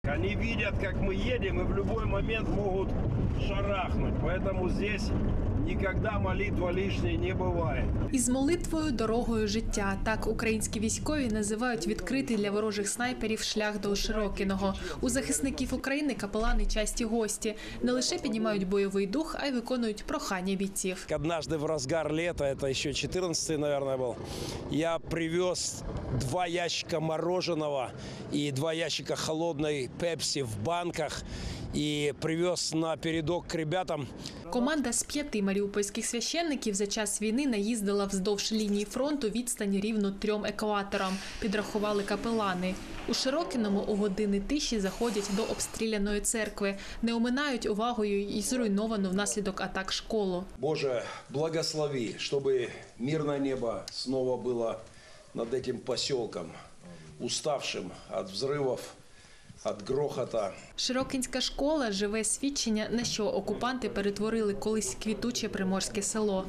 Они видят, как мы едем, и в любой момент могут шарахнуть. Поэтому здесь никогда молитва лишней не бывает. Із молитвою дорогою життя. Так українські військові називають відкритий для ворожих снайперів шлях до Широкиного. У захисників України капелани часті гості. Не лише піднімають бойовий дух, а й виконують прохання бійців. Однажды в разгар лета, это еще 14-й, наверное, был, я привез 2 ящика мороженого и 2 ящика холодной пепси в банках и привез на передок к ребятам. Команда з 5 маріупольських священників за час війни наїздила вздовж лінії фронту відстань рівно 3 екваторам, підрахували капелани. У Широкиному у години тиші заходять до обстріляної церкви, не оминають увагою і зруйновану внаслідок атак школу. Боже, благослови, чтобы мирное небо снова было над этим поселком, уставшим от взрывов, от грохота. Широкинська школа – живе свідчення, на що окупанти перетворили колись квітуче приморське село.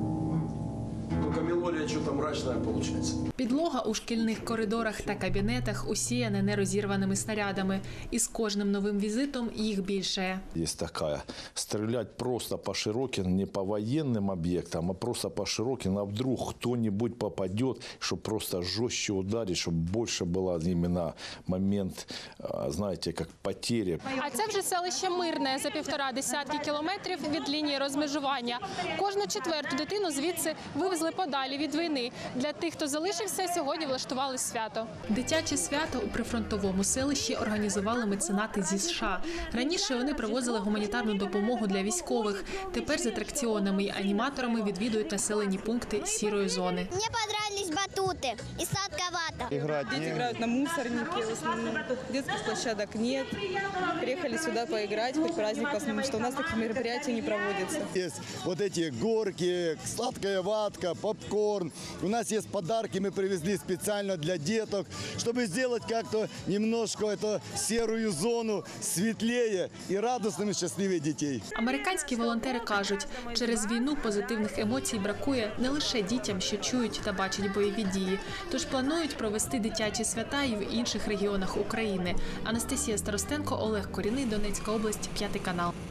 Только мелодия что-то мрачная получается. Підлога у шкільних коридорах та кабінетах усіяна нерозірваними снарядами. І з кожним новим візитом їх більшає. Є така – стріляти просто по Широкину, не по воєнним об'єктам, а просто по Широкину, а вдруг хто-небудь попаде, щоб просто жорстче ударити, щоб більше було іменно момент, знаєте, як потери. А це вже селище Мирне, за 1,5 десятки кілометрів від лінії розмежування. Кожну 4-ту дитину звідси вивезли подалі від війни. Для тих, хто залишився, сьогодні влаштували свято. Дитяче свято у прифронтовому селищі організували меценати зі США. Раніше вони привозили гуманітарну допомогу для військових. Тепер з атракціонами і аніматорами відвідують населені пункти сірої зони. Мені подобались батути і сладковато. Дети играют на мусорнике в основном. Детских площадок нет. Приехали сюда поиграть, хоть праздник посмотреть, что у нас такие мероприятия не проводятся. Есть вот эти горки, сладкая ватка, попкорн. У нас есть подарки, мы привезли специально для деток, чтобы сделать как-то немножко эту серую зону светлее и радостными, счастливее детей. Американські волонтери кажуть, через війну позитивних емоцій бракує не лише дітям, що чують та бачать бойові дії. Тож планують провести дитячі свята і в інших регіонах України. Анастасія Старостенко, Олег Коріний, Донецька область, 5 канал.